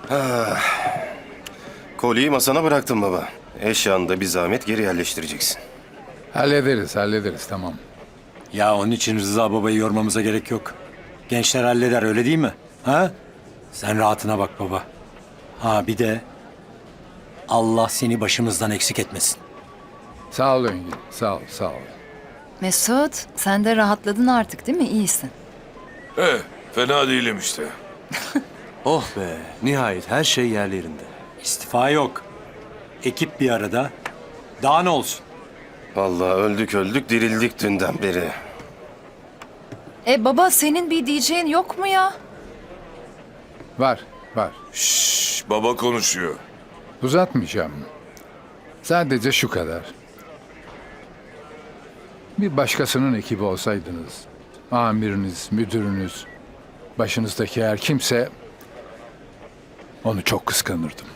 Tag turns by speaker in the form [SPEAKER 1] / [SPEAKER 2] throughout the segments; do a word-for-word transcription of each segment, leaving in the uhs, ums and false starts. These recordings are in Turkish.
[SPEAKER 1] Kolyeyi masana bıraktım baba. Eşyanı da bir zahmet geri yerleştireceksin.
[SPEAKER 2] Hallederiz, hallederiz tamam.
[SPEAKER 3] Ya onun için Rıza babayı yormamıza gerek yok. Gençler halleder öyle değil mi? Ha? Sen rahatına bak baba. Ha bir de Allah seni başımızdan eksik etmesin.
[SPEAKER 2] Sağ ol Engin, sağ ol, sağ ol.
[SPEAKER 4] Mesut, sen de rahatladın artık değil mi? İyisin.
[SPEAKER 5] Eh, fena değilim işte.
[SPEAKER 6] Oh be, nihayet her şey yerli yerinde.
[SPEAKER 3] İstifa yok. Ekip bir arada. Daha ne olsun?
[SPEAKER 1] Vallahi öldük öldük dirildik dünden beri.
[SPEAKER 4] E baba, senin bir diyeceğin yok mu ya?
[SPEAKER 2] Var, var.
[SPEAKER 5] Şşş, baba konuşuyor.
[SPEAKER 2] Uzatmayacağım. Sadece şu kadar. Bir başkasının ekibi olsaydınız, amiriniz, müdürünüz, başınızdaki her kimse, onu çok kıskanırdım.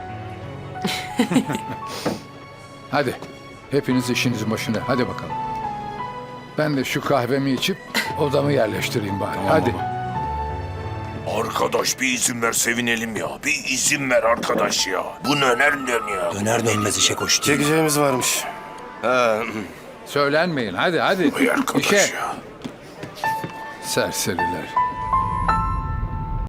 [SPEAKER 2] Hadi, hepiniz işinizin başına, hadi bakalım. Ben de şu kahvemi içip odamı yerleştireyim bari, hadi.
[SPEAKER 5] Arkadaş bir izin ver sevinelim ya. Bir izin ver arkadaş ya. Bu ne nereden ya?
[SPEAKER 3] Döner dönmez işe koştu.
[SPEAKER 1] Çekeceğimiz varmış. Ha,
[SPEAKER 2] Söylenmeyin, hadi hadi.
[SPEAKER 5] Vay arkadaş
[SPEAKER 2] İşe.
[SPEAKER 5] ya.
[SPEAKER 2] Serseriler.